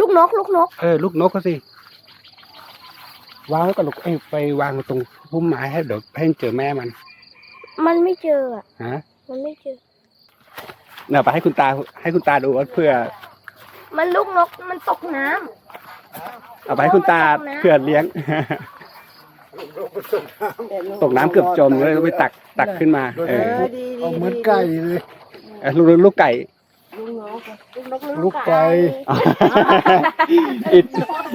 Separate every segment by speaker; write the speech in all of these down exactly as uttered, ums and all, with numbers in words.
Speaker 1: ลูกนกลูกนก
Speaker 2: เออลูกนกก็สิวางไว้กับลูกเอ้ไปวางตรงพุ่มไม้ให้เดี๋ยวให้เจอแม่มัน
Speaker 1: มันไม่เจออ่ะ
Speaker 2: ฮะ
Speaker 1: มันไม่เจอ
Speaker 2: เนี่ยไปให้คุณตาให้คุณตาดูว่าเพื่อ
Speaker 1: มันลูกนกมันตกน้
Speaker 2: ำเอาไปให้คุณตาเพื่อเลี้ยงตกน้ำเกือบจมเลยไปตักตักขึ้นมาเออ
Speaker 3: เอาเหมือนไก่เลย
Speaker 2: ลูกลูกไก่
Speaker 3: ลูกไก่
Speaker 2: อิด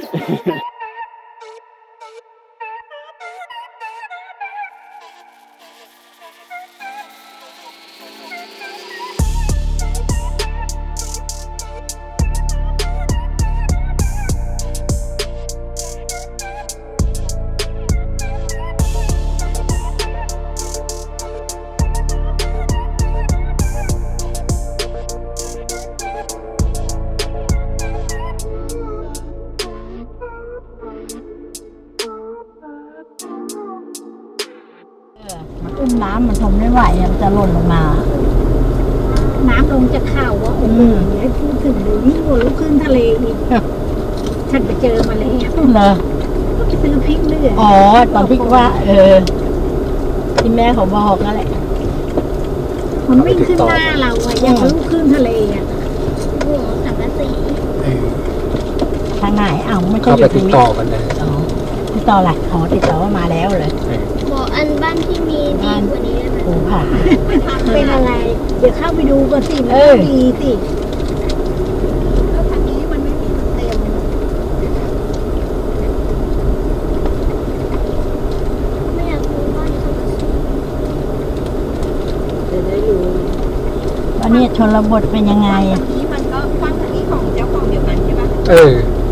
Speaker 4: อุ้มน้ำมันทนไม่ไหวมันจะหล่นลงมา
Speaker 5: น้ำลงจะเข้าว่าโอ้โหให้พูดถึงเลยนี่หัวลูกขึ้นทะเลอีกฉันไปเจอมาแล้ว
Speaker 4: เหรอ
Speaker 5: ก็ไปซื้อพริกเลือด
Speaker 4: อ๋อตอนพริกว่าเออที่แม่เขาบอกนั่นแหละ
Speaker 5: มันวิ่งขึ้นหน้าเราอะอย่างลูกขึ้นทะเลอะหัวสังกะสี
Speaker 4: ทางไหนอ้าวไม่ใช่
Speaker 2: อยู่ติดต่อกันเลย
Speaker 4: ติดต่ออะไรอ๋อติดต่อว่ามาแล้วเลย
Speaker 1: บอกอันบ้านที่มีดีกว่านี้ได้ไหม
Speaker 4: โอ้ผ่า
Speaker 5: เป็นอะไรเดี๋ยวเข้าไปดูก่อนสิมันดีสิแล้วทางนี้มันไม่มีเต็ม
Speaker 1: ไม่อยากรู้บ้านเขา
Speaker 5: จะได้รู้
Speaker 4: วันนี้ชนบทเป็นยังไง
Speaker 5: ทางนี้มันก็ฟังทางนี้ของเจ้าของเดียวกันใช่ปะ
Speaker 2: เออ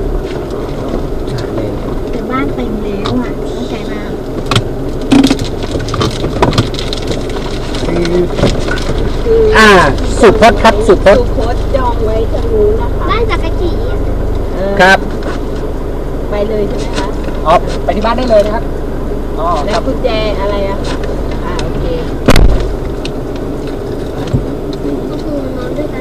Speaker 5: แต่บ้านเต็มแล้วอ่ะเข้าใจมาก
Speaker 2: อ่าสุพจน์ครับสุพจน์
Speaker 5: สุพจน์จองไว้จะรู้นะคะ
Speaker 1: บ้านจักรจี
Speaker 2: ครับ
Speaker 5: ไปเลยใช่ไหมคะ
Speaker 2: อ๋อไปที่บ้านได้เลยนะครับอ๋อ
Speaker 5: แล้วกุญแจอะไรอะค่ะอ่าโอเค
Speaker 1: ก็คือนอนด้วยกัน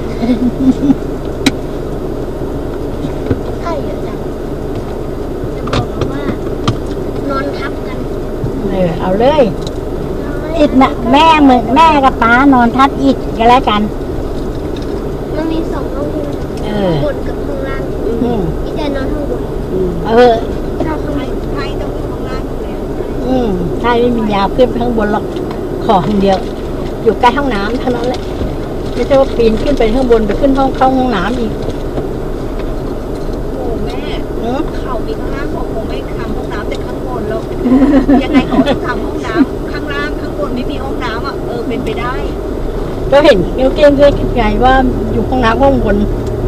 Speaker 1: ใช่เหรอจังจะบอกว่านอนทับกัน
Speaker 4: เออเอาเลยอิดนะแม่เหมือนแม่กับป้านอนทับอิดกันแล้วกัน
Speaker 1: มันมีสองห้องใช่ไหมบนกับข้างล่างอีแต่นอนข้างบน
Speaker 4: เออ
Speaker 5: ถ้าข้างในใครต้องข้างล่างเลย
Speaker 4: อืมใช่ไม่มียาขึ้นไปข้างบนหรอกขอคนเดียวอยู่ใกล้ห้องน้ำเท่านั้นแหละไม่ใช่ว่าปีนขึ้นไปข้างบนไปขึ้นห้องเข้าห้องน้ำอีก
Speaker 5: โอ้แม่เขามีข้างล่างของผมไม่ทำห้องน้ำแต่ข้างบนแล้วยังไงเขาต้องทำห้องน้ำข้างล่างข้างบนไม่มีห้องน้ำอ่ะเออเป็นไปได้
Speaker 4: ก็เห็นเกี้ยวเกี้ยงเกี้ยงไงว่าอยู่ห้องน้ำห้องบน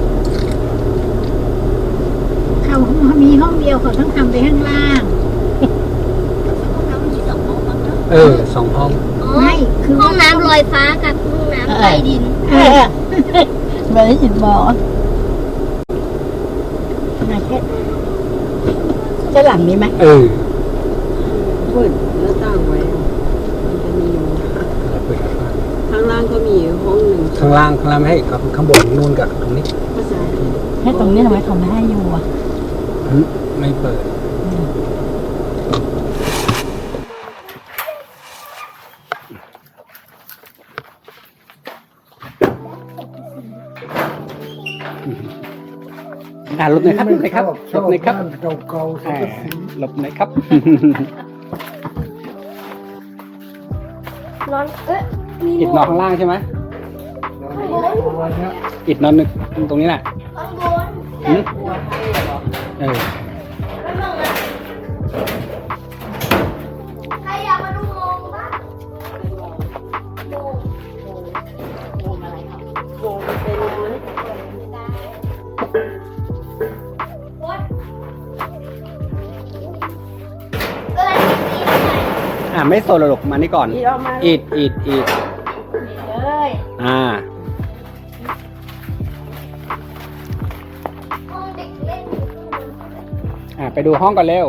Speaker 5: เขามีห้องเดียวเขาต้องทำไปข้างล่าง
Speaker 2: ห้องน้ำมีสองห้องเออสองห้อง
Speaker 5: ไม่
Speaker 1: คือห้องน้ำลอยฟ้ากับห้องน้ำใต้ดิน
Speaker 4: ไม่ได้ยินบอกนะแค่จะหลังนี้ไหม
Speaker 2: เออ
Speaker 5: เปิดหน้าต่างไว้มันจะมีข้างล่างก็มีห้องหนึ่ง
Speaker 2: ข้างล่างข้างล่างไม่ให้กับข้างบนนู่นกับตรงนี้
Speaker 4: ให้ตรงนี้ทำไมเขาไม่ให้อยู่อ่ะ
Speaker 2: ไม่เปิดอ่าหลบหน่อยครับหลบหน่อยครับหลบหน่อยครับ
Speaker 3: เก่าๆ
Speaker 2: หลบหน่อยครับ
Speaker 1: นอนเอ๊ะมี
Speaker 2: อิดนอนข้างล่างใช่ไหมอิดนอนนึกตรงนี้แหละ
Speaker 1: ข้างบน
Speaker 2: เออ
Speaker 1: ใครอยากมาดูโมงบ้างโมงโมงอะไรครับโมงเป็น
Speaker 2: อ่าไม่โซลหรอกมานี่ก่อนอิดอิดอิด
Speaker 1: เลย
Speaker 2: อ่า
Speaker 1: ห้องเด็กเล่น
Speaker 2: อ่าไปดูห้องก่อนเร็ว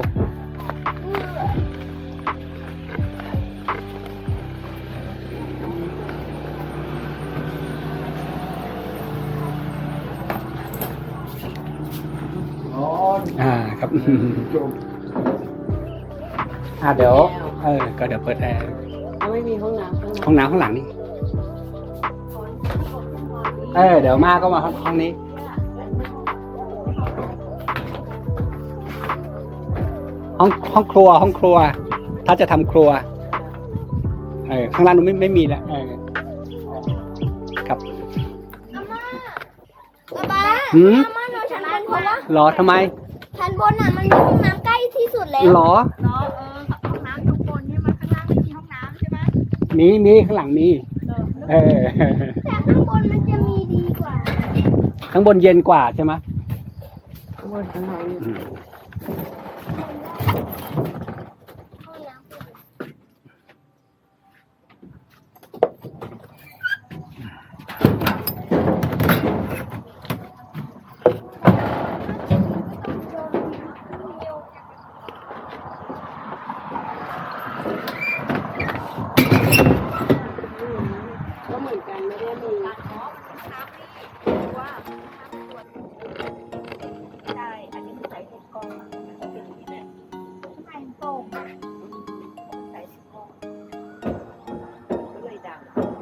Speaker 1: เ
Speaker 2: อ่าครับ อ่าเดี๋ยวเออก็เดี๋ยวเปิดแอร์
Speaker 3: แล้วไม่มีห้องน้ำข้างใน
Speaker 2: ห้องน้ำข้างหลังนี่เออเดี๋ยวมาก็มาห้องนี้ห้องห้องครัวห้องครัว ถ้าจะทำครัวเออข้างล่างนู้นไม่ไม่มีแล้วเออครับ
Speaker 1: ป๊าป๊า
Speaker 2: หืม
Speaker 1: อาม่านอนชั้นบนเพราะว่า
Speaker 2: หรอทำไม
Speaker 1: ชั้นบนอ่ะมันมีห้องน้ำใกล้ที่สุดแล้ว
Speaker 2: หรอ
Speaker 5: เนาะเออห้องน้ำอยู่บนใช่ไหมข้างล่างไม่มีห้องน้ำใช่ไหม
Speaker 2: มีมีข้างหลังมีเออ
Speaker 1: แต่ข้างบนมันจะมีดีกว่า
Speaker 2: ข้างบนเย็นกว่าใช่ไหม
Speaker 3: ข้างบนข้างใน
Speaker 2: อืม
Speaker 1: ห้องน้ำ
Speaker 3: ก็เหมือนกันไม่ได้มี
Speaker 5: ใช่อันนี้คือใส่ถุงกล้องอะเป็นอย่างนี้แหละ
Speaker 1: ไข่โป่ง
Speaker 5: ใส่ถุงกล้องก็เลยดัง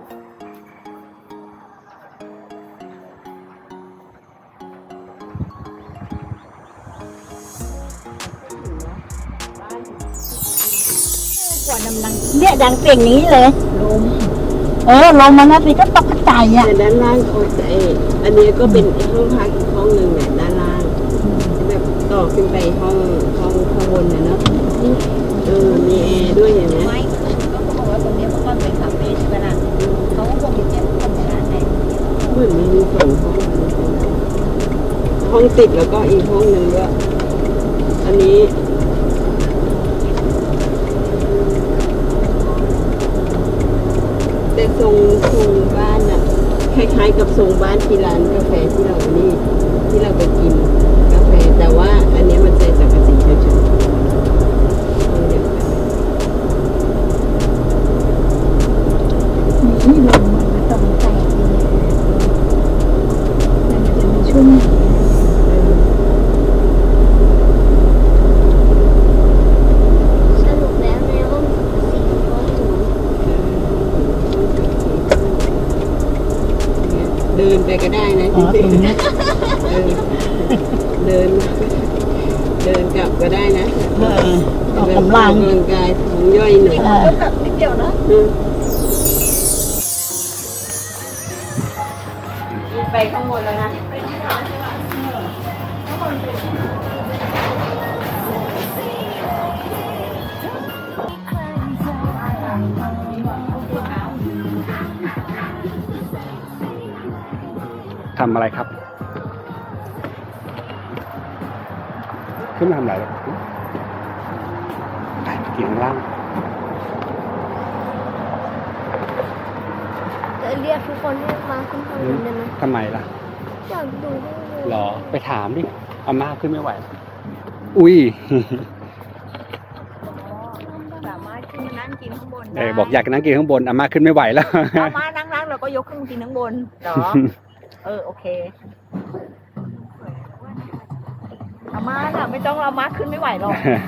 Speaker 4: กว่าดำลังเนี่ยดังเปล่งนี้เลยลมเออลมมันนะสิก็ตกใจอ่ะ
Speaker 3: แต่ด้านล่างโอ้ยอันนี้ก็เป็นห้องพักอีกห้องหนึ่งเนี่ยด้านล่างแบบต่อขึ้นไปห้องห้องข้างบนนะเนาะเออมีแอร์ด้วยเห็นไหม
Speaker 5: ไม่ก็เขาบอกว่าตรงนี้เมื่อก่อนเป็นคาเฟ่ใช่ไหมล่ะเขาก็คงจะเก็บคนในร้านไหน
Speaker 3: เหมือนมีสองห้องห้องติดแล้วก็อีกห้องหนึ่งก็อันนี้แต่ทรงทรงบ้านอะคล้ายๆกับทรงบ้านที่ร้านกาแฟที่เรานี่ที่เราไปกินกาแฟแต่ว่าอันนี้มันใส่สังกะสีเฉยๆห้องเดียวกัน
Speaker 4: นี่ลมมันมาตรงแตกเลยมันจะมีชุ่ม
Speaker 1: สรุปแล้วในห้องสี่ห้องศูนย์
Speaker 3: เดินไปก็ได้นะ
Speaker 4: อ๋อตรงนี้
Speaker 3: เออเดิน เดินกลับก็ได้นะ
Speaker 4: เออออกกำลัง
Speaker 3: ออกกำลังกายท้องย่อยหน่อย
Speaker 4: เออ
Speaker 5: ก็แบบนิดเดียวนะ
Speaker 3: อืม
Speaker 5: ไปข้างบนแล้วนะ
Speaker 2: ทำอะไรครับ ขึ้นมาทำอะไรครับไปกินข้างล่าง
Speaker 1: จะเรียกทุกคนให้มาขึ้นข้างบนได้ไหม
Speaker 2: ทำไมล่ะ
Speaker 1: อยากดูให้เลย
Speaker 2: หรอไปถามดิอาม่าขึ้นไม่ไหว อุ้ย
Speaker 5: สามารถขึ้นมานั่งกินข้างบน
Speaker 2: เออบอกอยากนั่งกินข้างบนอาม่าขึ้นไม่ไหวแล้ว
Speaker 5: สามารถนั่งๆเราก็ยกขึ้นมากินข้างบนเหรอ เออโอเคอาม่าน่ะไม่ต้องอาม่าขึ้นไม่ไหวหรอก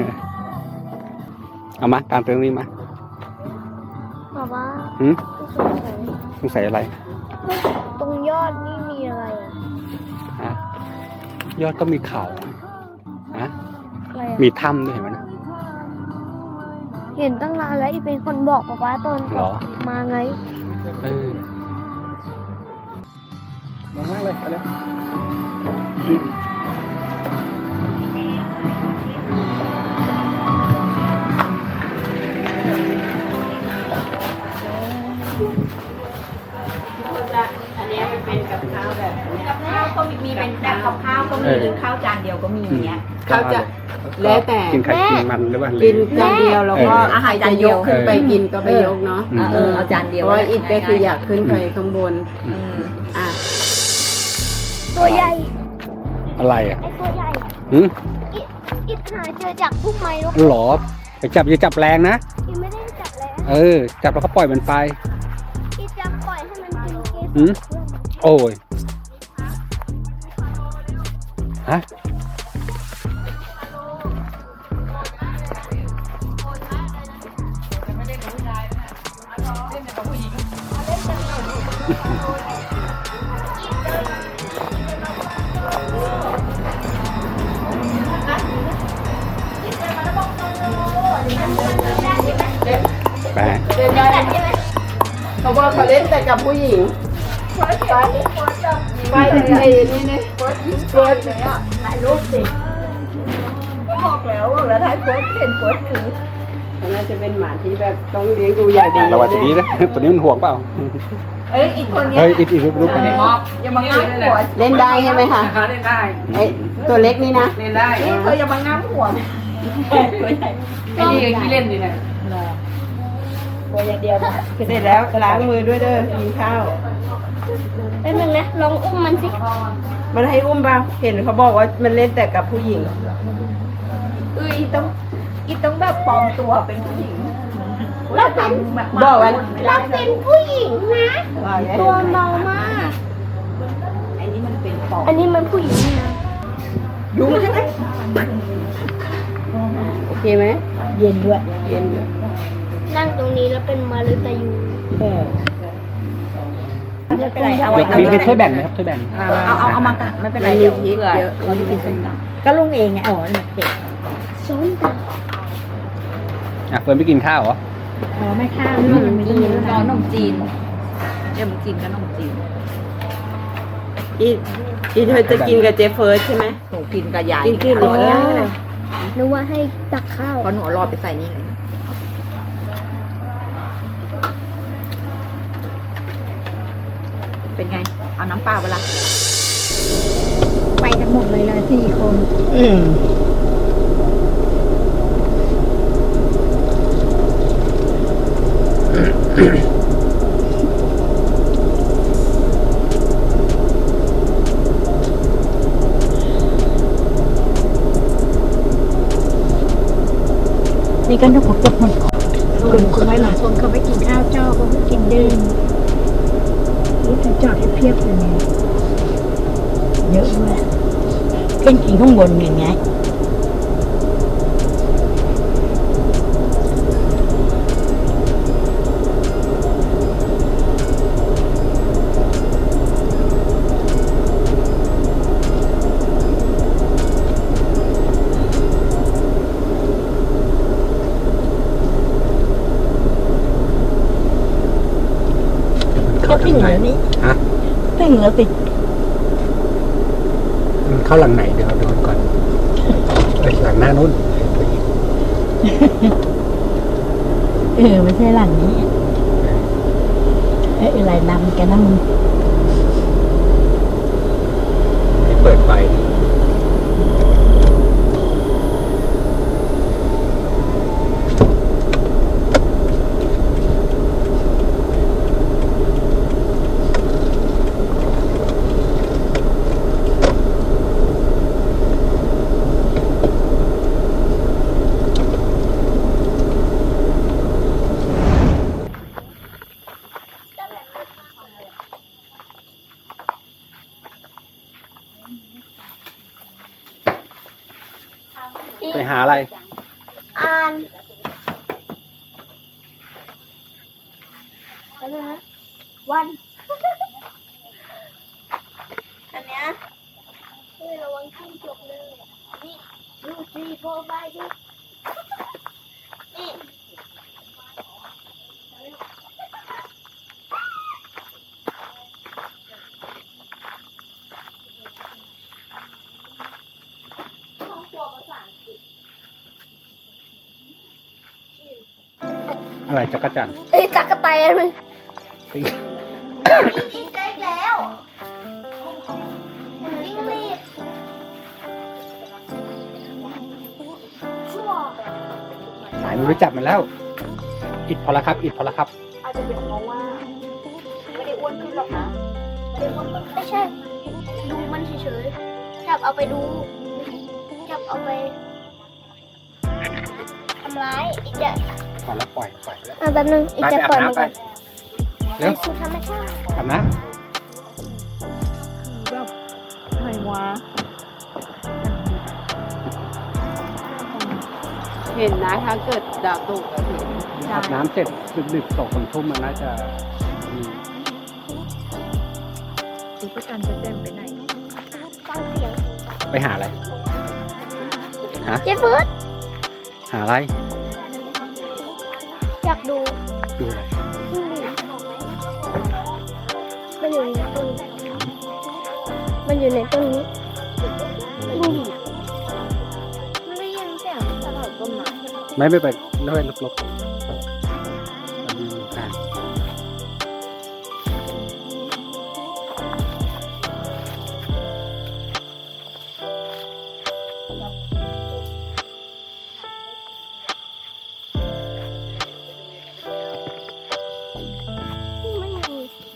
Speaker 2: เอามาตามไปตรงนี้มา
Speaker 1: บอกว่า
Speaker 2: หืม
Speaker 1: สงสัย
Speaker 2: สงสัยอะไร
Speaker 1: ตรงยอดนี่มีอะไรอ่ะ
Speaker 2: ฮะยอดก็มีเขาฮะ
Speaker 1: อะไรอ่ะ
Speaker 2: มีถ้ำด้วยเห็นไหมนะ
Speaker 1: เห็นตั้งนานแล้วอีเป็นคนบอกบอกว่าตอน
Speaker 2: หรอ
Speaker 1: มาไง
Speaker 2: เออลงมากเลยไปเลย
Speaker 3: อันนี้มันเป็นกับข้าวแบบนี้
Speaker 5: กับข้าวก็มีมีเป็นแบบกับข้าวก็มีหรือข้าวจานเดียวก็มีอย่างเงี้ย
Speaker 3: เขาจะแล้วแต่
Speaker 2: กินไข่กินมันหรือว่า
Speaker 3: กินจานเดียวแล้วก็
Speaker 2: เออ
Speaker 5: อาหารจานเดียว
Speaker 3: ขึ้นไปกินก็ไปยกเนาะ
Speaker 2: อืม
Speaker 5: เออเอาจานเดียว
Speaker 3: เพราะว่าอิดก็คืออยากขึ้นไปข้างบน
Speaker 5: อืม
Speaker 3: อ่ะ
Speaker 1: ตัวใหญ่
Speaker 2: อะไรอ่ะ
Speaker 1: ไอ้ตัวใหญ่
Speaker 2: หืม
Speaker 1: อิดอิดหาเจอจากพุ่มไม้นก
Speaker 2: หรอไปจับอย่าจับแรงนะ
Speaker 1: อิดไม่ได้จับแล้ว
Speaker 2: เออ จับแล้วก็ปล่อยมันไป
Speaker 1: อิดจะปล่อยให้มันกินเกสร
Speaker 2: หืม โอ้ย ฮะไป
Speaker 3: เขาบอกเขาเล่นแต่กับผู้หญิงไปไอ้นี่เนี่ยเฟิร์สเฟิร์สเลยอ่ะถ่ายรูปสิ
Speaker 5: บอกแล้วว่าแล้วท้ายโพสเห็นโพสถือ
Speaker 3: มันน่าจะเป็นหมาที่แบบต้องเลี้ยงดูอย่างดี
Speaker 2: ระวังตัวนี้นะตัวนี้มันห่วงเปล่า
Speaker 5: เอ้ยอีกคนเนี้ย
Speaker 2: เฮ้ยอีกอีกรูปไป
Speaker 5: อย่ามางับหัว
Speaker 3: เล่นได้ใช่ไหมคะ
Speaker 6: เล่นได้
Speaker 3: ไอ้ตัวเล็กนี่นะ
Speaker 6: เล่นได้
Speaker 5: นี่เธออย่ามางับหัว
Speaker 6: ไอ้นี่ก็ขี้เล่นดีนะ
Speaker 4: ตัวอย่างเดียวนะ
Speaker 3: เสร็จแล้วล้างมือด้วยเด้อกินข้าว
Speaker 1: แป๊บนึงนะลองอุ้มมันสิ
Speaker 3: มันให้อุ้มบ้างเห็นเขาบอกว่ามันเล่นแต่กับผู้หญิง
Speaker 5: เอ้ยอีต้องอีต้องแบบปลอมตัวเป็นผู้หญิง
Speaker 1: เราเป็น
Speaker 3: บอกว่า
Speaker 1: เราเป็นผู้หญิงนะ
Speaker 3: ว่าไง
Speaker 1: ตัวเบามาก
Speaker 5: ไอ้นี่มันเป็นปลอม
Speaker 1: อันนี้มันผู้หญิงนะ
Speaker 3: ยุงใช่ไหมโอเคไหม
Speaker 4: เย็นด้วย
Speaker 3: เย็นอยู่
Speaker 1: นั่งตรงนี้แล้วเป็นมารุตายู
Speaker 4: เออ
Speaker 5: ไม่เป็นไรเอา
Speaker 2: มี
Speaker 5: ไว้
Speaker 2: มีมีช่วยแบ่งไหมครับช่วยแบ่ง
Speaker 5: เอาเอาเอามากันไม่เป็นไร
Speaker 3: มันมี
Speaker 5: เดี๋ยว
Speaker 3: พริก
Speaker 5: เผื่อ
Speaker 3: เยอะ
Speaker 5: เราจะกินส้มตำ
Speaker 4: ก็ลุงเองไงอ๋อเด็ก
Speaker 1: ส้มต
Speaker 2: อ่ะเฟิร์นไม่กินข้าวเหรอ
Speaker 4: อ๋อไม่ข้าวนี่มันไม่กิน
Speaker 5: รอขนมจีนเดี๋ยวมึงกินกับขนมจีน
Speaker 3: อีอีเธอจะกินกับเจฟเฟิร์สใช่ไหม
Speaker 5: หนูกินกับยาย
Speaker 3: กินขึ้นหมดแล้ว
Speaker 1: ำนึกว่าให้ตักข้าว
Speaker 5: เพราะหนูเอารอดไปใส่นี่เลยเป็นไง เอาน้ำเปล่าเวลา
Speaker 4: ไปกันหมดเลยเลยสี่คนอืมนี่ก็นึกว่าจะหมดคนคนไว้หลายคนเขาไปกินข้าวเจ้าเขาไปกินดื่มนี่ถึงจอดให้เพียบเลยเนี่ยเยอะด้วยขึ้นกินข้างบนอย่างไง ก็ถึงแล้วนี่
Speaker 2: ฮะ
Speaker 4: ถึงแล้วสิ
Speaker 2: มันเข้าหลังไหนเดี๋ยวดูก่อนเอ้ยหลังหน้านู้น
Speaker 4: เออไม่ใช่หลังนี้ เอ้ยอะไรนำกันนะมึง
Speaker 2: ให้เปิดไฟ ไปหาอะไร
Speaker 1: อ่านอะไรนะวัน อันเนี้ยเฮ้ยระวังขึ้นจบเลย นี่ดูสี่โฟร์ไฟดูนี่ห้องครัวภาษาอังกฤษ
Speaker 2: อะไรจักรจันทร์
Speaker 1: เอ้ยจักรแตนมัน
Speaker 2: ปิ้ง
Speaker 1: ยิงได้แล้วยิงลีดชั่ว
Speaker 2: สายมันรู้จักมันแล้ว อิดพอละครับ อิดพอละครับ
Speaker 1: อาจจะเป็นเพราะว่าไม่ได้อ้วนขึ้นหรอกนะไม่ได้อ้วนขึ้นไม่ใช่ ดูมันเฉยๆจับเอาไปดู จับเอาไปทำร้ายอีกจะ
Speaker 2: พอแล้วปล่อยปล่อยไปแล้ว
Speaker 1: อ่ะแป๊บนึงอีกจะปล่อยมันก่อน
Speaker 2: เร็ว
Speaker 1: สู่ธรรมชาติ
Speaker 2: กลับนะ
Speaker 3: ไม่วะเห็นนะถ้าเกิดดาวตกอะเห็น
Speaker 2: อาบน้ำเสร็จดึกๆตกคนทุ่มมันน่าจะมีไปหาอะไร
Speaker 1: เจ๊เฟิร์ส
Speaker 2: หาอะไร
Speaker 1: อยากดู
Speaker 2: ดูอะไร
Speaker 1: มันอยู่ในต้นมันอยู่ในต้นนี้มันได้ยินเสียงตลอดต้นไม้
Speaker 2: ไม่ไม่ไปไม่ไปลบๆอืมอ่ะ
Speaker 1: ไม่มี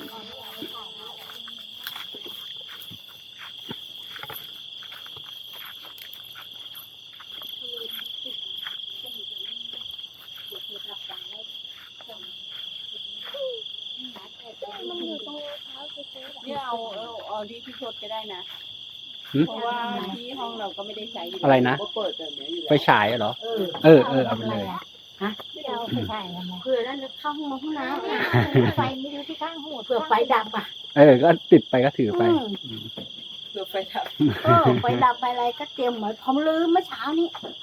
Speaker 1: มันอยู่ตรงเท้าเจ๊เฟิร์สอะ
Speaker 3: เนี่ยเอาเอาเอาที่พี่ทศก็ได้นะ
Speaker 2: หืม
Speaker 3: เพราะว่าที่ห้องเราก็ไม่ได้ใช้ยู่
Speaker 2: อะไรนะ
Speaker 3: ก็เปิดแบบนี้อยู่
Speaker 2: ไป
Speaker 3: แล้ว
Speaker 2: ฉายเหรอ
Speaker 3: เออ
Speaker 2: เออเออเอาไปเลย
Speaker 4: ไม่เอาไปใช่แล้วไหม
Speaker 5: เผื่อนั่นจะเข้าห้องน้ำห้องน้ำไฟไม่รู้ที่ข้างหัว
Speaker 4: เผื่อไฟดับอ่ะ
Speaker 2: เออ ก็ติดไปก็ถือไป
Speaker 4: อืม
Speaker 3: เปิดไฟดับ
Speaker 4: เออไฟดับไปอะไรก็เตรียมไว้ผมลืมเมื่อเช้านี้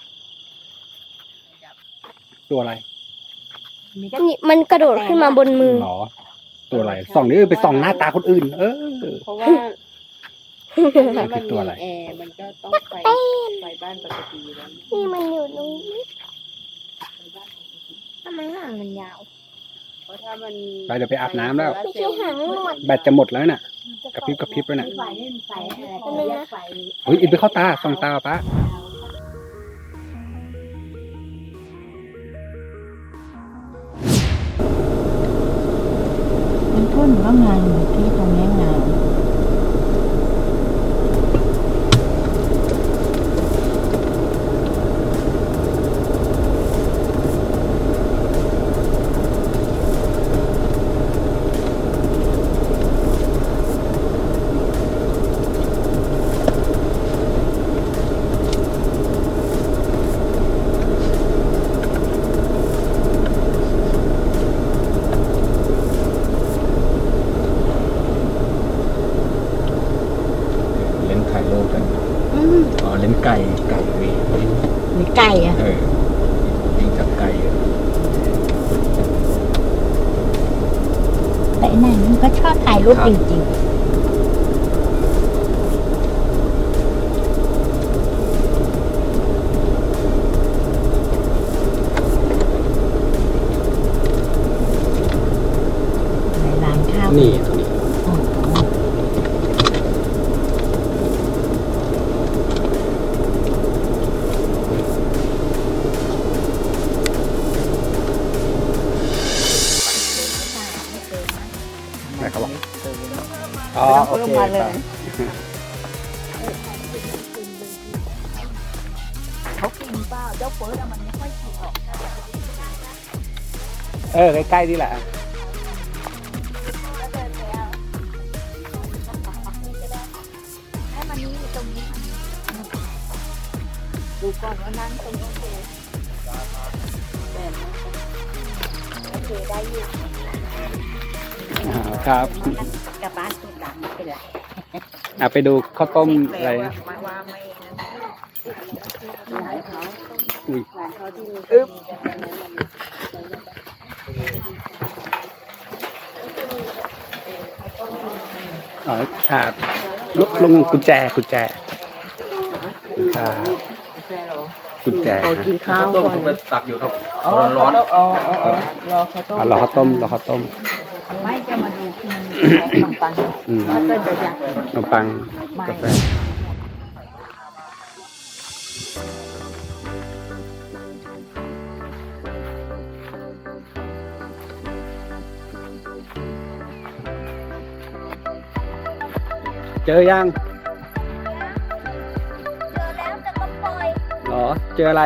Speaker 2: ตัวอะไร
Speaker 4: มีก็
Speaker 1: นี่มันกระโดดขึ้นมาบนมือ
Speaker 2: หรอ ตัวอะไร ส่องนี่ไปส่องหน้าตาคนอื่น เออ
Speaker 3: เพราะว่าอันนี้มัน
Speaker 2: ตัวอะไร
Speaker 3: มีแอร์มันก็ต้องไฟไฟบ้านปกติอยู่แล้ว
Speaker 1: นี่มันอยู่ตรงนี้ทำไมหางมันยาว
Speaker 3: เพราะถ้ามัน
Speaker 2: ไปเดี๋ยวไปอาบน้ำแล้ว
Speaker 1: ไม่ใช่หางหนวด
Speaker 2: แบตจะหมดแล้วน่ะ กระพริบกระพริบแล้วน่ะ
Speaker 4: ไฟนี่มันไฟอะไร
Speaker 1: อันนึงนะ
Speaker 4: ไฟ
Speaker 2: เฮ้ยอินไปเข้าตา ส่องตาป้า
Speaker 4: มันทุ่นว่างานอยู่ที่ตรงนี้งาน
Speaker 2: เล่นถ่ายรูปกันอ๋อ เล่นไก่ ไก่วี
Speaker 4: มีไก่อ่ะ
Speaker 2: เออวิ่งจับไก่
Speaker 4: แต่ไหนมันก็ชอบถ่ายรูปจริงๆในร้านข้าว
Speaker 2: นี่ตรงนี้
Speaker 4: อ๋อ
Speaker 2: ไหนเขาบอกอ๋อ โอเคครับ
Speaker 4: เขากินเปล่าเจ้าเฟิร์สอะมันไม่ค่อยกินหรอก
Speaker 2: เออ ใกล้ๆนี่แหละ
Speaker 4: ให้มันนี่ตรงนี้ดูก่อนว่านั่งตรงนี้โอเคโอเคได้อยู่
Speaker 2: อ่าครับ
Speaker 4: กลับบ้านสุดดำไม่เป็นไร
Speaker 2: อ่ะไปดูข้าวต้มอะไรนะ
Speaker 3: ว่าว่าไม่หลานเขา
Speaker 2: อุ้ย
Speaker 3: หลานเขาที่มี
Speaker 2: อึ๊บ อ๋ออ่าลุกลงกุญแจกุญแจอ่า
Speaker 3: แฟนเหรอ
Speaker 2: กุญแจ
Speaker 3: เขากินข้าวก่อน
Speaker 2: ตักอยู่ครับ
Speaker 3: อ๋อร้อนอ๋ออ๋ออ๋อรอเขาต้ม
Speaker 2: อ่ะรอข้าวต้มรอข้าวต้ม
Speaker 4: ไม่จะมาดูที่มันขนมปัง
Speaker 2: อืม
Speaker 4: ถ้าเกิดจะอยาก
Speaker 2: ขนมปังกาแฟเจอยัง
Speaker 1: เจอแล้วแต่ก็ปล่อย
Speaker 2: เหรอ เจออะไร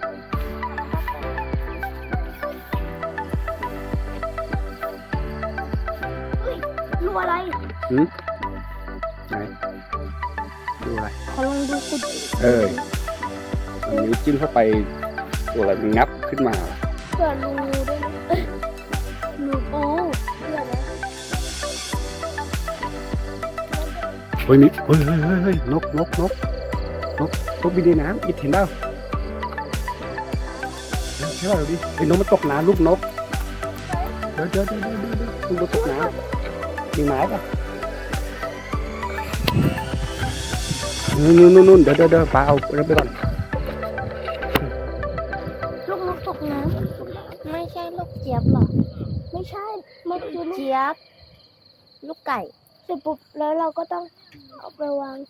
Speaker 1: รูอะไร
Speaker 2: หืมไหนดูอะไร
Speaker 1: ขอลองดูคุณ
Speaker 2: เออเอานิ้วจิ้มเข้าไปตัวอะไรมันงับขึ้นมา
Speaker 1: เผื่อรูด้วยนะเอ้ยรูโอ้เผื่อนะ
Speaker 2: เฮ้ยนี่เฮ้ยเฮ้ยเฮ้ยเฮ้ยนกนกนกนกนกบินในน้ำอิดเห็นเปล่าใช่ป่ะดูดิไอ้นกมันตกน้ำลูกนกเดี๋ยวเดี๋ยวเดี๋ยวเดี๋ยวเดี๋ยวลูกนกตกน้ำมีไม้ป่ะนู่นนู่นนู่นเดี๋ยวเดี๋ยวเดี๋ยวปลาเอาเริ่มไปก่อน
Speaker 1: ลูกนกตกน้ำไม่ใช่ลูกเจี๊ยบหรอไม่ใช่มันคือเจี๊ยบลูกไก่เสร็จปุ๊บแล้วเราก็ต้องเอาไปวาง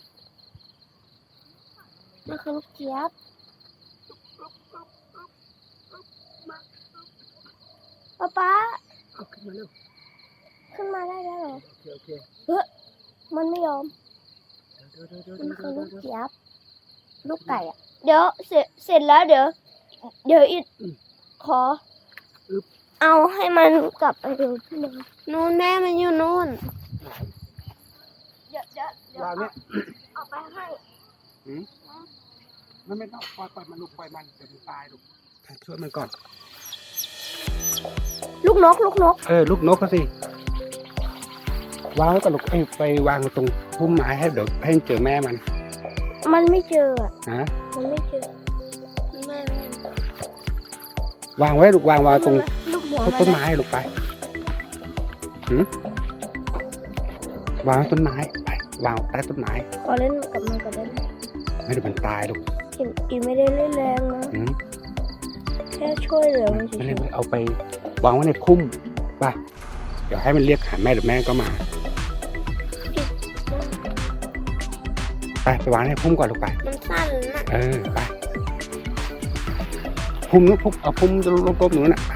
Speaker 1: มันคือลูกเจี๊ยบป๊าป๊า
Speaker 2: เอาขึ้นมาเร็ว
Speaker 1: ขึ้นมาได้แล้วเหรอ
Speaker 2: โอเคโอเค
Speaker 1: เฮ้ยมันไม่ยอม
Speaker 2: เดี๋ยวเดี๋ยวเดี๋ยว
Speaker 1: มันคือ
Speaker 2: เดี๋
Speaker 1: ลู
Speaker 2: ยว
Speaker 1: ก
Speaker 2: เดี๋ยว
Speaker 1: เจี๊ยบลูกไก่อะเดี๋ยวเสร็จเสร็จแล้วเดี๋ยว เดี๋ยวอีกขอ เอาให้มันกลับไปดูที่เดิม
Speaker 3: นู่นแม่มันอยู่นู่น
Speaker 1: เดี๋ยวเดี๋ยวเดี๋ยว
Speaker 2: วางเนี่ย
Speaker 1: เอาไปให้
Speaker 2: มันไม่ต้องปล่อยปล่อยมันลูกปล่อยมันเดี๋ยวมันตายลูกช่วยมันก่อน
Speaker 1: ลูกนกลูกนก
Speaker 2: เออลูกนกก็สิ วางไว้กับลูกเอ้ยไปวางตรงพุ่มไม้ให้เดี๋ยวให้เจอแม่มัน
Speaker 1: มันไม่เจออะ
Speaker 2: ฮะ
Speaker 1: มันไม่เจอแม่แม่
Speaker 2: วางไว้ลูกวางวางตรง
Speaker 1: ลูกหัว
Speaker 2: ต้น
Speaker 1: มั
Speaker 2: ต้น
Speaker 1: น
Speaker 2: ไม้ลูกไปหืมวางไว้ต้นไม้ไปวางใต้ต้นไม้
Speaker 1: ขอเล่นกับมันก็ได้ไหม
Speaker 2: ไม่เดี๋ยวมันตายลูก
Speaker 1: อีอีไม่ได้เล่นแรงนะ
Speaker 2: หืม
Speaker 1: แค่ช่วยเหลือมันเฉ
Speaker 2: ไม่
Speaker 1: ย
Speaker 2: เล่นไม่เอาไปวางไว้ในพุ่มป่ะเดี๋ยวให้มันเรียกหาแม่เดี๋ยวแม่ก็มาไปไปวางในพุ่มก่อนลูกไป
Speaker 1: ๆมันสั้นนะ
Speaker 2: เออไปพุ่มนู้นพุ่มเอาพุ่มจะลบๆหนูน่ะ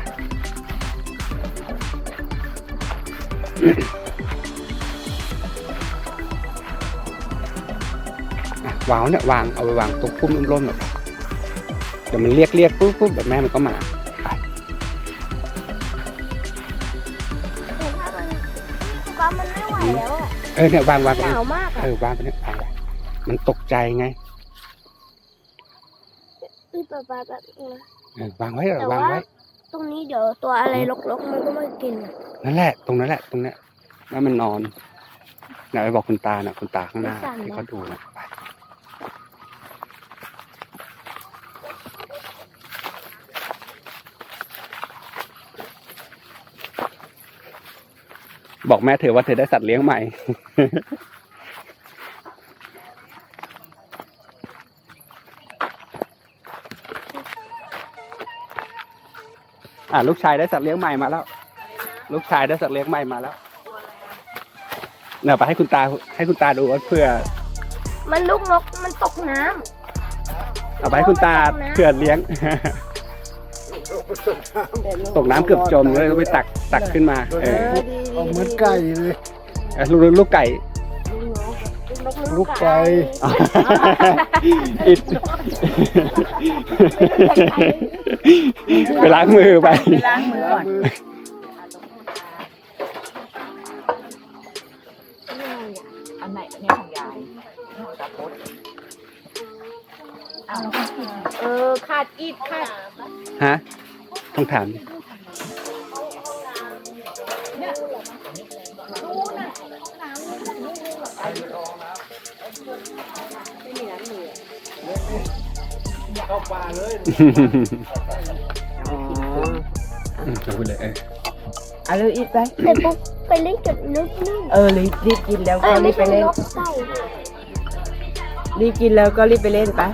Speaker 2: อ่ะวางเนี่ยวางเอาไปวางตรงพุ่มร่มๆหน่อยเดี๋ยวมันเรียกเรียกปุ๊บปุ๊บเดี๋ยวแม่มันก็มาไป
Speaker 1: แต่ถ้ามันก็มันไม่ไหวแล้วอะ
Speaker 2: เออเนี่ยวางวางไป
Speaker 1: หนาวมาก
Speaker 2: เอ
Speaker 1: อะ
Speaker 2: อวางไปเนี่ยวางไปมันตกใจไง
Speaker 1: อือปะปะแบบนึงนะ
Speaker 2: เออวางไว้เหรอ
Speaker 1: แต่
Speaker 2: วาง
Speaker 1: ว่า
Speaker 2: ไว้
Speaker 1: ตรงนี้เดี๋ยวตัวอะไรรกๆมันก็มากินอะ
Speaker 2: นั่นแหละตรงนั้นแหละตรงเนี้ยแล้วมันนอนไหนไปบอกคุณตาน่ะคุณตาข้างหน้าที่เขาดูนะไปบอกแม่เธอว่าเธอได้สัตว์เลี้ยงใหม่ อ่าลูกชายได้สัตว์เลี้ยงใหม่มาแล้ว ลูกชายได้สัตว์เลี้ยงใหม่มาแล้วเนี่ยไปให้คุณตาให้คุณตาดูว่าเพื่อ
Speaker 1: มันลูกนกมันตกน้ำ
Speaker 2: เอาไปให้คุณตาเพื่อเลี้ยง ตกน้ำเกือบจมเลยก็ไปตักตักขึ้นมาเออ
Speaker 3: เอาเหมือนไก่เลย
Speaker 2: เออลูกลูกไก่
Speaker 3: ลูกไก่
Speaker 2: อิดไปล้างมือไป
Speaker 5: ไปล้างมือก่อน อันไหนอันนี้ของยายของตาพดเอาเออขาดอีดขาด
Speaker 2: ฮะต้องถาม
Speaker 3: เข้าป่าเลย อ๋อ
Speaker 2: อืมพูดเลยเออ
Speaker 3: เอาเลยอีกไป
Speaker 1: เสร็จปุ๊บไปเล่นกับนกนู่น
Speaker 3: เออรีบรีบกินแล้ว
Speaker 1: เอ้
Speaker 3: ก็
Speaker 1: ย
Speaker 3: รี
Speaker 1: ไม่
Speaker 3: บไป
Speaker 1: ใช่
Speaker 3: เล่น
Speaker 1: นกไก่
Speaker 3: รีบกินแล้วก็รีบไปเล่นไป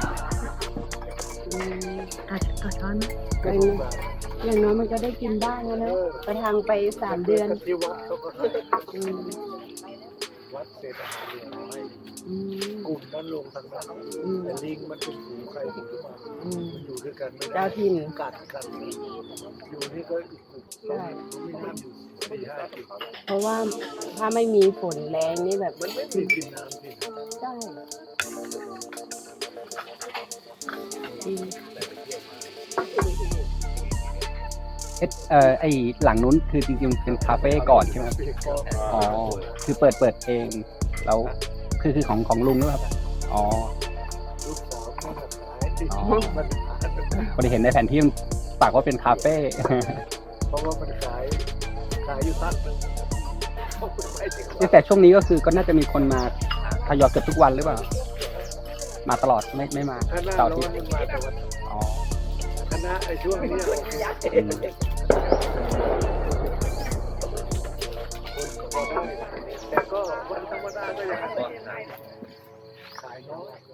Speaker 4: อ่ะขอช้อน
Speaker 3: อย่างน้อยมันก็ได้กินบ้างแล้วนะไปทางไปสามเดือน
Speaker 7: ที่วัดเขาก็
Speaker 3: อืม
Speaker 7: วัดเศษอาหารเหลือน้อย
Speaker 3: อืม
Speaker 7: กลุ่มนั้นลงทางนั้น
Speaker 3: อืม
Speaker 7: แต่ลิงมันเป็นฝูงใครฝูงมัน
Speaker 3: อืม
Speaker 7: มันอยู่ด้วยกันไม่ได้
Speaker 3: เจ้าถิ่น
Speaker 7: กัดกันอยู่นี่ก็อีกกลุ่ม
Speaker 3: ใช่
Speaker 7: มีน้ำอยู่สี่ห้าสิบ
Speaker 3: เพราะว่าถ้าไม่มีฝนแรงนี่แบบ
Speaker 7: มันไม่มีกินน้ำสิ
Speaker 3: ใช่จริง
Speaker 2: เอสเอ่อไอหลังนู้นคือจริงๆเป็นคาเฟ่ก่อนใช่ไหมครับ
Speaker 7: พี่ก็
Speaker 2: อ๋อคือเปิดเปิดเองแล้วคือคือของของลุงหรือเปล่าครับอ๋อ
Speaker 7: ลูกสาวก็ขายที่
Speaker 2: อ๋อ
Speaker 7: มันขาย
Speaker 2: พอดีเห็นในแผนที่มันปากว่าเป็นคาเฟ่
Speaker 7: เพราะว่ามันขายขายอยู่ตั้งนึงไม่ถึง
Speaker 2: แต่ช่วงนี้ก็คือก็น่าจะมีคนมาทยอยเกือบทุกวันหรือเปล่ามาตลอดไม่ไม่มา
Speaker 7: คณะ
Speaker 2: เสาร์
Speaker 7: เรา
Speaker 2: อาทิตย์
Speaker 7: มันมาแต่วัน
Speaker 2: อ๋อ
Speaker 7: คณะไอ้ช่วงนี้โอเค
Speaker 2: อืม
Speaker 7: แต่ก็วันธรรมดาก็ยังขายน้อย